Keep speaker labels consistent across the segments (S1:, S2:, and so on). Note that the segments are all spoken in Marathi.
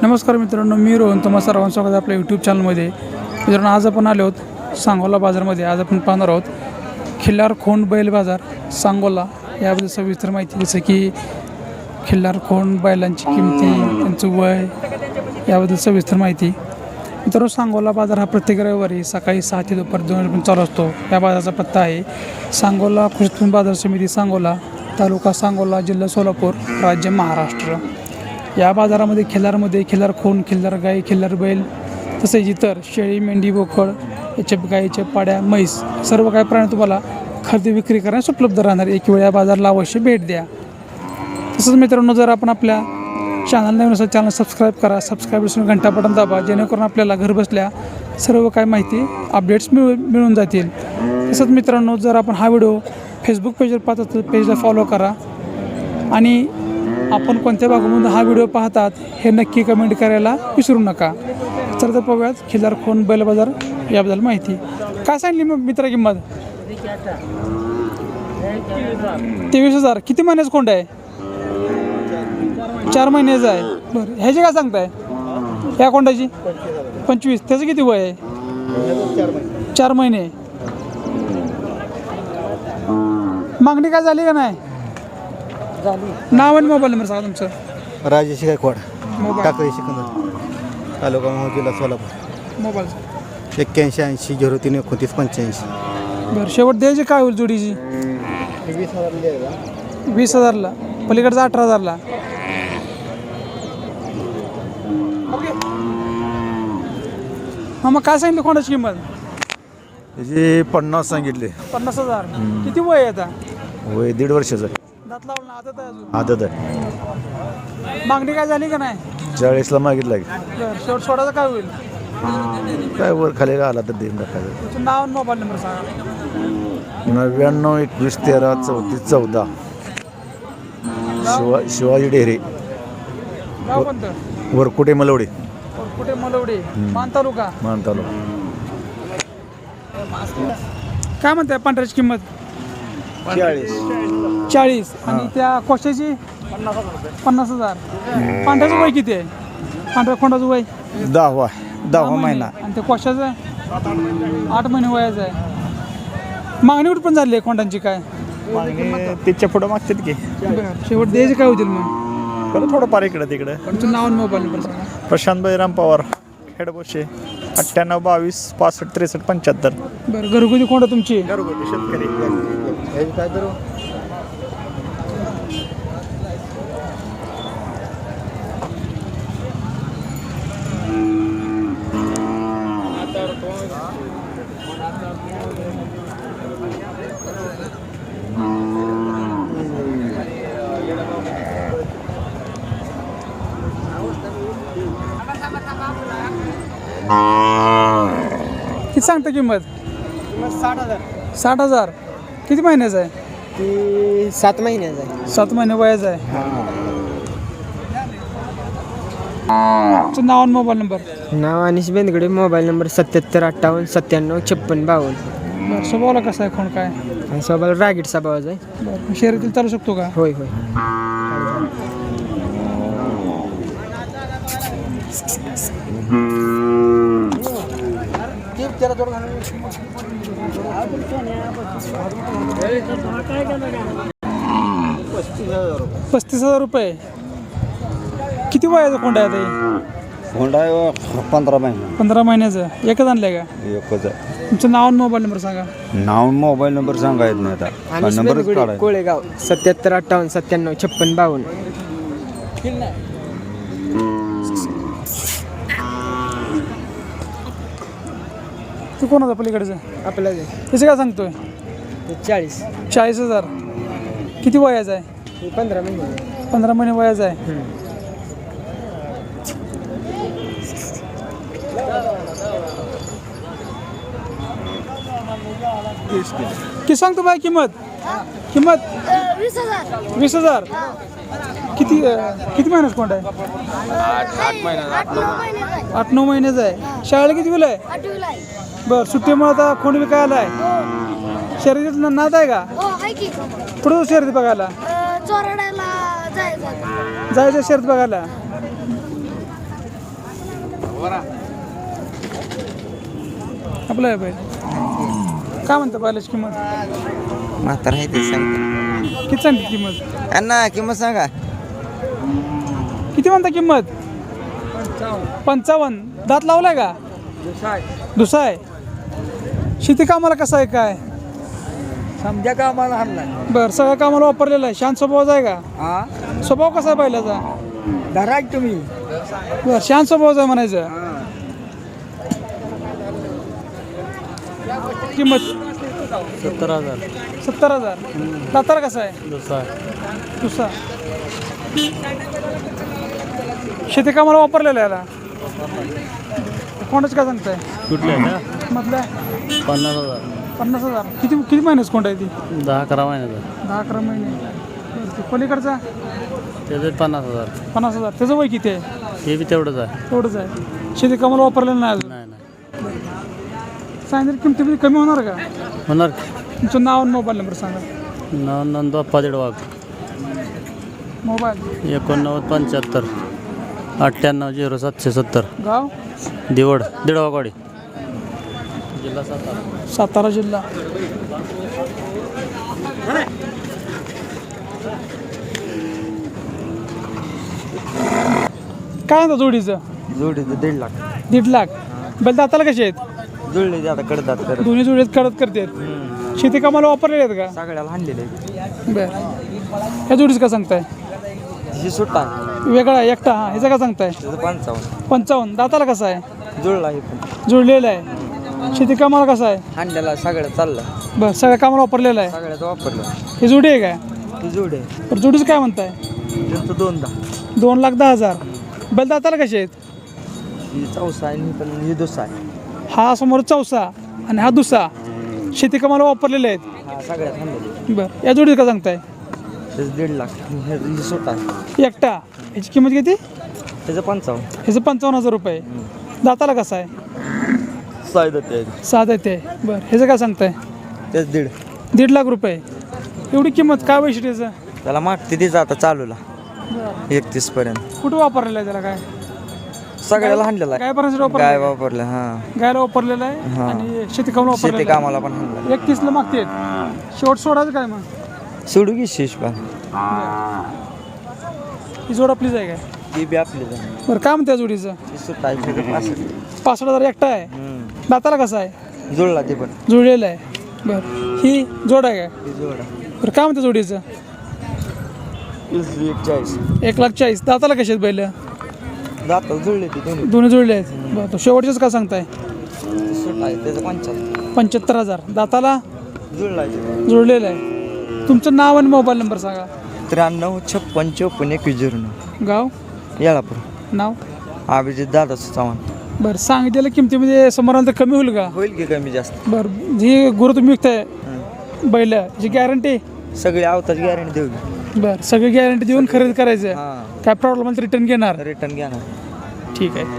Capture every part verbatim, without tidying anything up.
S1: नमस्कार मित्रांनो, मी रोहन. तुम्हा सर्वांचं स्वागत आहे आपल्या यूट्यूब चॅनलमध्ये. मित्रांनो, आज आपण आलो आहोत सांगोला बाजारमध्ये. आज आपण पाहणार आहोत खिल्लार खोंड बैल बाजार सांगोला याबद्दल सविस्तर माहिती, जसं की खिल्लार खोंड बैलांची किमती, त्यांचं वय, याबद्दल सविस्तर माहिती. मित्रांनो, सांगोला बाजार हा प्रत्येक रविवारी सकाळी सहा ते दुपार दोन वाजेपर्यंत चालू असतो. या बाजाराचा पत्ता आहे सांगोला कृषी उत्पन्न बाजार समिती सांगोला, तालुका सांगोला, जिल्हा सोलापूर, राज्य महाराष्ट्र. या बाजारामध्ये खिल्लारमध्ये खिल्लार खोंड, खिल्लार गाई, खिल्लार बैल, तसेच इतर शेळी, मेंढी, बोकड, याच्या गाईच्या पाड्या, म्हैस, सर्व काही प्राणी तुम्हाला खरेदी विक्री करण्यास उपलब्ध राहणार. एक वेळ या बाजाराला अवश्य भेट द्या. तसंच मित्रांनो, जर आपण आपल्या चॅनल नवीन असेल, चॅनल सबस्क्राईब करा. सबस्क्राईब घंटा बटन दाबा, जेणेकरून आपल्याला घरबसल्या सर्व काही माहिती अपडेट्स मिळू मिळून जातील. तसंच मित्रांनो, जर आपण हा व्हिडिओ फेसबुक पेजवर पाहत असेल तर पेजला फॉलो करा. आणि आपण कोणत्या भागामधून हा व्हिडिओ पाहतात हे नक्की कमेंट करायला विसरू नका. तर तर पाहूयात खिल्लार खोंड बैल बाजार याबद्दल माहिती. काय सांगली मग मित्रा किंमत? तेवीस हजार. किती महिन्याचं खोंड आहे? चार महिन्याचं आहे. बरं, ह्याची काय सांगताय ह्या खोंडाची? पंचवीस. त्याचं किती वय आहे? चार महिने. मागणी काय झाली का नाही? नाव आणि मोबाईल नंबर सांगा तुमचं.
S2: राजेश गायकवाड, टाकळी सिकंदर, तालुका मोहोळ, जिल्हा सोलापूर.
S1: मोबाईल
S2: एक्क्याऐंशी ऐंशी झिरो तीन एकोणतीस पंच्याऐंशी.
S1: बरं, शेवट द्यायची काय होईल जोडीची?
S2: वीस हजार
S1: वीस हजारला. पलीकडचा अठरा हजारला. हा, मग काय सांगितलं कोणाची किंमत?
S3: त्याची पन्नास सांगितले.
S1: पन्नास हजार. किती वय आहे आता?
S3: वय दीड वर्षाचं.
S1: दात लावून आदत आहे अजून.
S3: आदत आहे.
S1: मागणी काय झाली का नाही?
S3: चाळीसला मागितला की
S1: बरं, शेवट सोडायचं काय होईल?
S3: काय वर खाली आला तर देऊन टाकायचं.
S1: तुमचं नाव आणि मोबाईल नंबर सांगा.
S3: नव्याण्णव एकवीस तेरा चौतीस चौदा. शिवा शिवाजी डेहरे,
S1: गाव कोणतं?
S3: वरकुटे मलवडे,
S1: कुठे? मलवडे, मान तालुका.
S3: मान तालुका.
S1: काय म्हणताय पांढऱ्याची किंमत?
S2: चाळीस.
S1: चाळीस. आणि त्या कोशाची? पन्नास हजार. पांढऱ्याचं वय किती आहे? पांढऱ्या खोंडाचं वय
S2: दहावा दहावा महिना.
S1: आणि त्या कोशाचं आठ महिने वयाचं आहे. मागणी कुठं पण झाली आहे खोंडांची काय?
S2: तिच्या पुढं मागतात की
S1: शेवट द्यायचे काय होतील मग?
S2: खरं थोडं फार इकडं तिकडं.
S1: तुमचं नाव आणि मोबाईल नंबर सांगा.
S2: प्रशांत बैराम पवार, खेडबोशे, अठ्ठ्याण्णव बावीस पासष्ट त्रेसष्ट पंच्याहत्तर.
S1: बरं, घरगुती खोंड तुमची?
S2: घरगुती शेतकरी.
S1: किती सांगता किंमत?
S2: साठ हजार.
S1: साठ हजार. किती महिन्याचं आहे?
S2: ती सात महिन्याचा आहे.
S1: सात महिने वयाचं आहे. तुमचं नाव आणि मोबाईल नंबर?
S4: नाव अनिश बेंदगडे, मोबाईल नंबर सत्याहत्तर अठ्ठावन्न सत्त्याण्णव छप्पन बावन्न.
S1: बरं, स्वभावाला कसं आहे खोंड काय?
S4: आणि स्वभावाला रागीट स्वभावाचा आहे.
S1: बरं, शर्यतीला चालू शकतो का?
S4: होय होय.
S1: पस्तीस हजार रुपये. किती वयाचं खोंड आहे आता?
S2: होंडा पंधरा महिना.
S1: पंधरा महिन्याचं. एकच आणलंय का?
S2: एकच आहे.
S1: तुमचं नाव आणि मोबाईल नंबर सांगा.
S2: नाव मोबाईल नंबर सांगा येत नाही आता.
S4: अनिश
S2: नंबरच
S4: बेंदगडे,
S2: काढायचा.
S4: कोळेगाव, सत्याहत्तर अठ्ठावन्न सत्त्याण्णव छप्पन बावन्न.
S1: तू कोणाचा पलीकडचं?
S4: आपला
S1: त्याचं काय सांगतोय?
S4: चाळीस.
S1: चाळीस हजार. किती वयाचं आहे?
S4: पंधरा महिने.
S1: पंधरा महिने वयाचं आहे. किती सांगतो बाय किंमत? किंमत
S5: वीस हजार.
S1: वीस हजार. किती किती महिन्याचं कोंड आहे?
S5: आठ महिने
S1: आठ नऊ महिन्याचं आहे. शाळेला किती वेळ आहे?
S5: आठवीला आहे.
S1: बरं, सुट्टीमुळे आता खोंड विकायला आहे. शर्यतीत नाद आहे का?
S5: हो आहे की.
S1: कुठं शर्यत बघायला?
S5: अं, चोराड्याला जायचं.
S1: जायचं शर्यत बघायला. आपलं आहे बैल काय म्हणतं बैलाची किंमत
S2: म्हातारा आहे ते सांगतो
S1: किती सांगते किंमत
S2: अण्णा किंमत सांगा
S1: किती म्हणता किंमत पंचावन्न दात लावलाय का दुसरा आहे शेती कामाला कसं आहे काय
S2: समजा का आम्हाला हरलाय
S1: बरं सगळ्या कामाला वापरलेलं आहे शांत स्वभावाचा आहे का
S2: हा
S1: स्वभाव कसा आहे बैलाचा
S2: धरा तुम्ही
S1: बरं शांत स्वभावाचा आहे म्हणायचं किंमत
S2: सत्तर हजार
S1: सत्तर हजार दातार कसा आहे
S2: दुसरा
S1: दुसरा शेती कामाला वापरलेलं आहे याला कोणाच काय सांगताय
S2: कुठल्या का
S1: मधल्या
S2: पन्नास हजार
S1: पन्नास हजार किती किती महिन्याच कोणता आहे ती
S2: दहा अकरा महिन्याचा
S1: दहा अकरा महिने बरं, ते पलीकडचा
S2: त्याचे पन्नास हजार
S1: पन्नास हजार त्याचं वय किती आहे
S2: हे बी तेवढंच आहे
S1: तेवढंच आहे शेती कामाला वापरलेलं नाही अजून
S2: नाही नाही
S1: सांगितलं किमतीमध्ये कमी होणार का
S2: होणार
S1: तुमचं नाव आणि मोबाईल नंबर सांगा
S2: न नंदोप्पा दीडवाग
S1: मोबाईल
S2: एकोणनव्वद पंच्याहत्तर अठ्ठ्याण्णव झिरो सातशे सत्तर
S1: गाव
S2: दिवड दीडवागवाडी जिल्हा सातारा
S1: सातारा जिल्हा काय म्हणता जोडीचं
S2: जोडीचं दीड लाख
S1: दीड लाख बैल दाताला कसे आहेत
S2: जुळले आता कडतात करत
S1: दोन्ही जोडीत करत करतात शेती कामाला वापरलेले आहेत का
S2: सगळ्याला हाणलेले
S1: बरं ह्या जोडीचं का सांगताय
S2: ही सुट्टा
S1: वेगळा आहे एकटा हा ह्याचं का सांगताय
S2: त्याचं पंचावन्न
S1: पंचावन्न दाताला कसा आहे
S2: जुळला हे पण
S1: जुळलेला आहे शेती कामाला कसा आहे
S2: हाणलेला सगळं चाललं
S1: बरं सगळ्या कामाला वापरलेला आहे
S2: सगळ्याचं वापरलं
S1: हे जोडी आहे काय
S2: ती जोड आहे
S1: तर जोडीचं काय म्हणताय
S2: त्यांचं दोनदा
S1: दोन लाख दहा हजार बैल दाताला कसे आहेत
S2: ही चौसा आहे आणि ही पण ही दुसरा आहे
S1: हा समोर चौसा आणि हा दुसरा शेती कामाला वापरलेले आहेत
S2: हा सगळ्यात हाणलेले
S1: बरं या जोडीचं का सांगताय
S2: त्याचं दीड लाख हे ही सुट्टा आहे
S1: एकटा ह्याची किंमत किती
S2: त्याचं पंचावन्न
S1: ह्याचं पंचावन्न हजार रुपये दाताला कसा आहे
S2: सायदा ते
S1: सात आहे ते बरं ह्याचं काय सांगताय
S2: त्याच दीड
S1: दीड लाख रुपये एवढी किंमत काय वैशिष्ट्याचं
S2: त्याला मागते तिचं आता चालूला एकतीस पर्यंत
S1: कुठं वापरलेलं आहे त्याला काय
S2: सगळ्याला हाणलेला आहे
S1: गाय पर्यंत
S2: गाय
S1: वापरलं
S2: वापरलं हा
S1: गायला वापरलेलं आहे
S2: हा.
S1: आणि शेती कामाला
S2: शेती
S1: वापरलेलं आहे.
S2: कामाला पण हाणलं
S1: एकतीसला मागते शेवट सोडायचं काय मग
S2: सोडू की शेष पण
S1: ही जोड आपलीच आहे काय
S2: ती बी आपली
S1: बरं काय म्हणते या जोडीचं
S2: सुट्टा आहे त्याचं पासष्ट
S1: पासष्ट हजार एकटा आहे दाताला कसा आहे
S2: जुळला ते पण
S1: जुळलेलं आहे बरं ही जोड आहे काय
S2: ती जोड आहे
S1: बरं काय म्हणते जोडीचं
S2: चाळीस
S1: एक लाख चाळीस दाताला कसे आहेत बैल
S2: जातात जुळले ते दोन्ही
S1: दोन्ही जुळले आहेत बरं तो शेवटचेच का सांगताय
S2: सुट्टा आहे त्याचं पंचावन्न
S1: पंच्याहत्तर हजार दाताला
S2: जुळला आहे
S1: जुळलेलं आहे तुमचं नाव आणि मोबाईल नंबर सांगा
S2: त्र्याण्णव छप्पन चौपन्न एकवीस झिरो नऊ
S1: गाव
S2: येळापूर
S1: नाव
S2: अभिजित दादा चव्हाण
S1: बरं सांगितलेल्या किमतीमध्ये समोरांतर कमी होईल का
S2: होईल की कमी जास्त
S1: बरं जी गुरु तुम्ही विकताय बैल जी गॅरंटी
S2: सगळी आवताची गॅरंटी देऊ की
S1: बरं सगळी गॅरंटी देऊन खरेदी करायचं
S2: हां
S1: काय प्रॉब्लेम आला तर रिटर्न घेणार
S2: रिटर्न घ्या ना
S1: ठीक आहे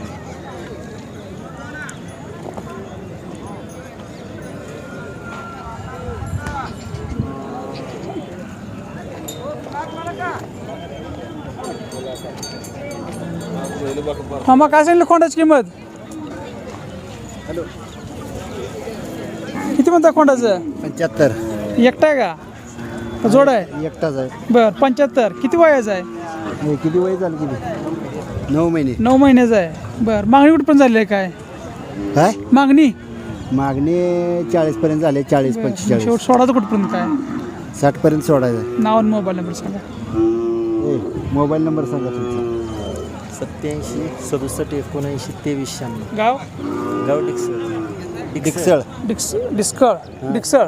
S1: मामा काय सांगितलं कोंडाची किंमत किती म्हणता कोंडाचं
S2: पंच्याहत्तर
S1: एकटा आहे का का जोड आहे
S2: एकटाच आहे
S1: बरं पंच्याहत्तर किती वयाचं आहे
S2: किती वय झालं किती नऊ महिने
S1: नऊ महिन्याचं आहे बरं मागणी कुठपर्यंत झाली आहे काय
S2: काय
S1: मागणी
S2: मागणी चाळीस पर्यंत झाले चाळीस पंचेचाळीस
S1: शेवट सोडायचं कुठपर्यंत काय
S2: साठ पर्यंत सोडायचं
S1: नाव आणि मोबाईल नंबर सांगा
S2: मोबाईल नंबर सांगा तुमचा
S6: सत्याऐंशी सदुसष्ट एकोणऐंशी तेवीस शहाण्णव
S1: गाव
S6: गाव डिक्सळ
S2: डिक्सळ
S1: डिक्स डिस्कळ डिक्सळ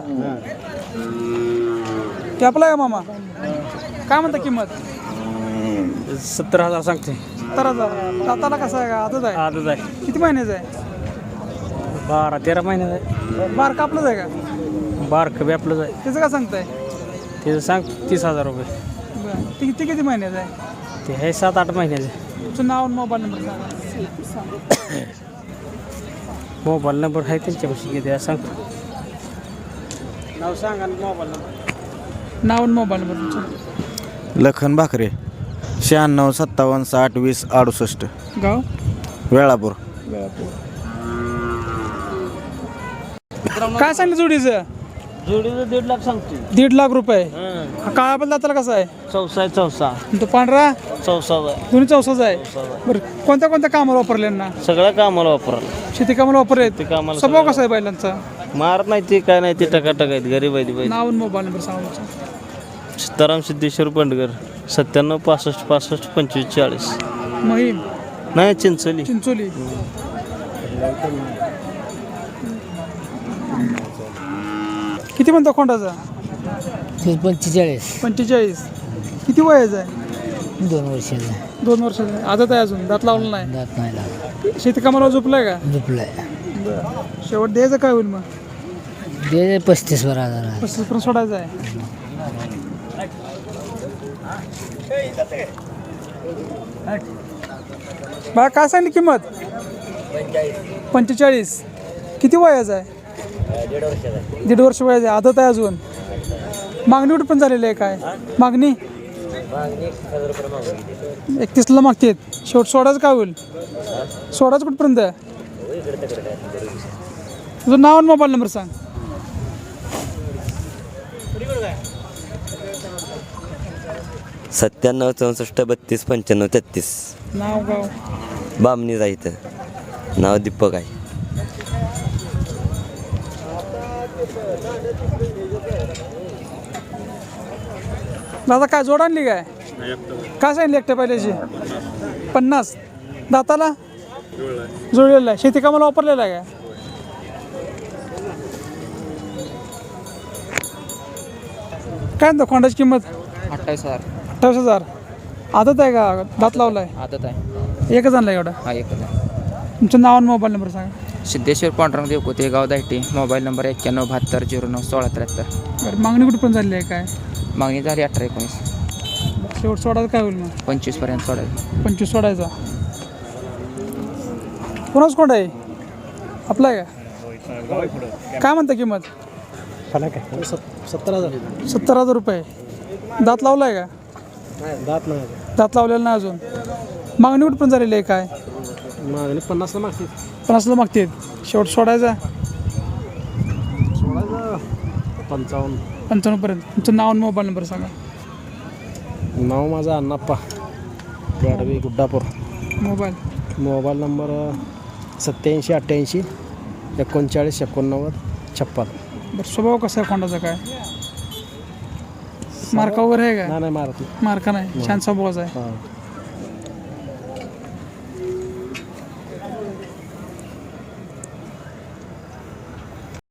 S1: ते आपला आहे मामा काय म्हणता किंमत
S6: सत्तर हजार सांगते
S1: सत्तर हजार दाताला कसं आहे का आजच आहे
S6: आजच आहे
S1: किती महिन्याचं आहे
S6: बारा तेरा महिन्यात आहे
S1: बार कापलंच आहे का
S6: बारक बी आपलंच आहे
S1: त्याचं काय सांगताय
S6: त्याचं सांग तीस हजार रुपये
S1: बरं ते किती किती महिन्याचं आहे
S6: ते आहे सात आठ महिन्याचे
S1: तुमचं नाव आणि मोबाईल नंबर सांगा
S6: मोबाईल नंबर आहे त्यांच्यापाशी किती आहे सांग नाव सांग आणि मोबाईल नंबर
S1: नाव आणि मोबाईल नंबर तुमचं
S2: लखन भाकरे शहाण्णव सत्तावन्न साठ वीस अडुसष्ट
S1: गाव
S2: वेळापूर
S1: काय सांगितलं जोडीचं
S6: जोडीचं दीड लाख सांगतो
S1: दीड लाख रुपये काळा बदला त्याला कसा आहे
S6: चौसा आहे चौसा
S1: आणि तो पांढरा
S6: चौसा आहे
S1: दोन्ही चौसाच आहे बरं कोणत्या कोणत्या कामाला वापरले ना
S6: सगळ्या कामाला वापरायला
S1: शेती कामाला वापरले
S6: ते कामाला
S1: स्वभाव कसा आहे बैलांचा
S6: मारत नाही ते काय नाही ते टकाटक आहेत गरीब आहेत बैल.
S1: नाव आणि मोबाईल नंबर सांगा तुमचा.
S6: सीताराम सिद्धेश्वर बंडगर सत्त्याण्णव पासष्ट पासष्ट पंचवीस चाळीस
S1: महिम
S6: नाही चिंचोली
S1: चिंचोली किती म्हणतो खोंडाचा
S4: पंचेचाळीस
S1: पंचेचाळीस किती वयाचा आहे
S4: दोन वर्षाचा
S1: दोन वर्षाचा आहे आदत आहे अजून दात लावलं नाही
S4: दात नाही लागला
S1: शेती कामाला झोपलाय का
S4: झोपलाय
S1: शेवट द्यायचं काय होईल मग
S4: दे पस्तीस वर हजार
S1: पस्तीस पर्यंत सोडायचं आहे बा काय सांगली किंमत पंचेचाळीस किती वयाचं आहे दीड वर्ष वयाचं आहे आदत आहे अजून मागणी कुठे पण झालेली आहे काय मागणी एकतीसला मागतेत शेवट सोडायचं काय होईल सोडायचं कुठपर्यंत तुझं नाव आणि मोबाईल नंबर सांग
S7: सत्त्याण्णव चौसष्ट बत्तीस पंच्याण्णव तेहतीस
S1: नाव गाव
S7: बामणी जायचं नाव दीपक आहे
S1: दादा काय जोड आणली काय काय सांगितली एकट्या पहिल्याची पन्नास दाताला जोडलेला आहे शेती कामाला वापरलेला आहे काय काय म्हणतो खोंडाची किंमत
S8: अठ्ठावीस हजार
S1: अठ्ठावीस हजार आदत आहे का दात लावलाय
S8: आदत आहे
S1: एकच आणला एवढा
S8: हा एकच आहे
S1: तुमचं नाव आणि मोबाईल नंबर सांगा
S8: सिद्धेश्वर पांडुरंग देवकोते गाव दायटी मोबाईल नंबर एक्क्याण्णव बहात्तर झिरो नऊ सोळा त्र्याहत्तर
S1: बरं मागणी कुठे पण झाली आहे काय
S8: मागणी झाली अठरा एकोणीस
S1: शेवट सोडायचं काय होईल मग
S8: पंचवीसपर्यंत सोडायचं
S1: पंचवीस सोडायचा कोणाच कोंड आहे आपला आहे का काय म्हणता किंमत
S2: सत्तर हजार
S1: सत्तर हजार रुपये दात लावला आहे का
S2: दात नाही
S1: दात लावलेला नाही अजून मागणी कुठं पण झालेली आहे काय
S2: मागणी पन्नासला मागते
S1: पन्नासला मागते शेवट सोडायचा
S2: पंचावन्न
S1: पंचावन्नपर्यंत तुमचं नाव आणि मोबाईल नंबर सांगा
S2: नाव माझं Annappa Gadvi Guddapur
S1: mobile
S2: mobile number सत्याऐंशी अठ्ठ्याऐंशी एकोणचाळीस एकोणनव्वद छप्पन
S1: बरं स्वभाव कसा आहे खोंडाचा काय मार्का वगैरे आहे का
S2: नाही मारत
S1: मार्का नाही छान स्वभावाचा आहे
S2: हां